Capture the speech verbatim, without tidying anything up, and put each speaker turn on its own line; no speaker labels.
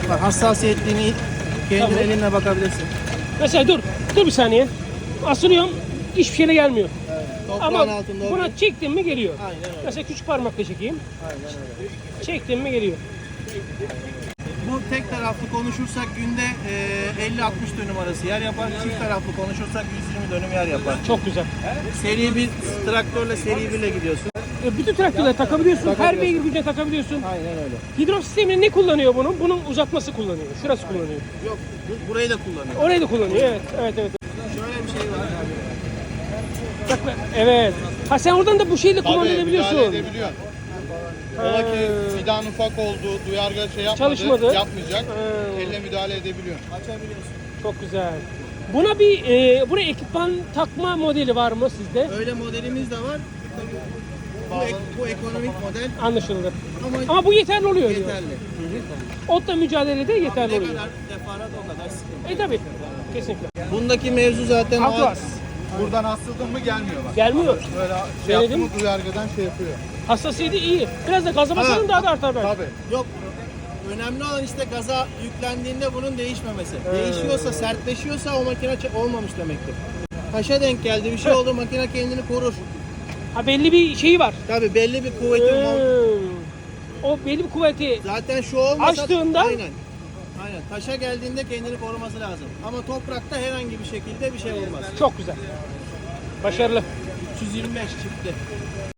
Bak, hassasiyetliğini kendi
Tamam.
elinle bakabilirsin.
Mesela dur, dur bir saniye. Asılıyorum, hiçbir şeyle gelmiyor.
Toprağın
Ama
altında
buna
oluyor.
çektim mi geliyor.
Aynen öyle.
Mesela küçük parmakla çekeyim.
Aynen öyle.
Çektim mi geliyor.
Bu tek taraflı konuşursak günde e, elli altmış dönüm arası yer yapar. Çift taraflı konuşursak yüz yirmi dönüm yer yapar.
Çok güzel.
Seri bir traktörle seri birle gidiyorsun.
E, bütün traktörleri takabiliyorsun. Her
Takabiliyorsun.
beygir gücüne takabiliyorsun.
Aynen öyle.
Hidrolik sistemini ne kullanıyor bunun? Bunun uzatması kullanıyor. Şurası kullanıyor.
Yok, bu- burayı da kullanıyor.
Orayı da kullanıyor. Evet, evet, evet.
Şöyle bir şey var.
Bak, bak, evet. Ha sen oradan da bu şeyle
Tabii müdahale
kullanabiliyorsun.
edebiliyorsun. Ola ki fidan ufak oldu, duyarga şey yapmadı,
Çalışmadı.
yapmayacak.
Ha.
Elle müdahale edebiliyorsun.
Açabiliyorsun.
Çok güzel. Buna bir e, buraya ekipman takma modeli var mı sizde?
Öyle modelimiz de var. Bu, ek- bu ekonomik model
Anlaşıldı.
ama,
Ama bu yeterli oluyor diyor.
yeterli.
Otla mücadelede yeterli
Ne
oluyor.
kadar defarat o kadar sıkıntı.
E tabi. Kesinlikle.
Bundaki mevzu zaten o-
Atlas.
Buradan asıldın mı gelmiyor bak.
Gelmiyor.
Böyle şey yaptı
Denedim.
mı duyargadan şey yapıyor.
Hassasiyeti iyi. Biraz da gaza basalım daha da artar belki.
Tabii.
Yok. Önemli olan işte gaza yüklendiğinde bunun değişmemesi. Değişiyorsa, sertleşiyorsa o makine ç- olmamış demektir. Taşa denk geldi, bir şey oldu, makine kendini korur.
Ha belli bir şeyi var.
Tabii belli bir kuvveti var.
Hmm. O belli bir kuvveti.
Zaten şu olmasa...
Açtığında-
Aynen. Aynen. Taşa geldiğinde kendini koruması lazım. Ama toprakta herhangi bir şekilde bir şey olmaz.
Çok güzel. Başarılı.
üç yüz yirmi beş çıktı.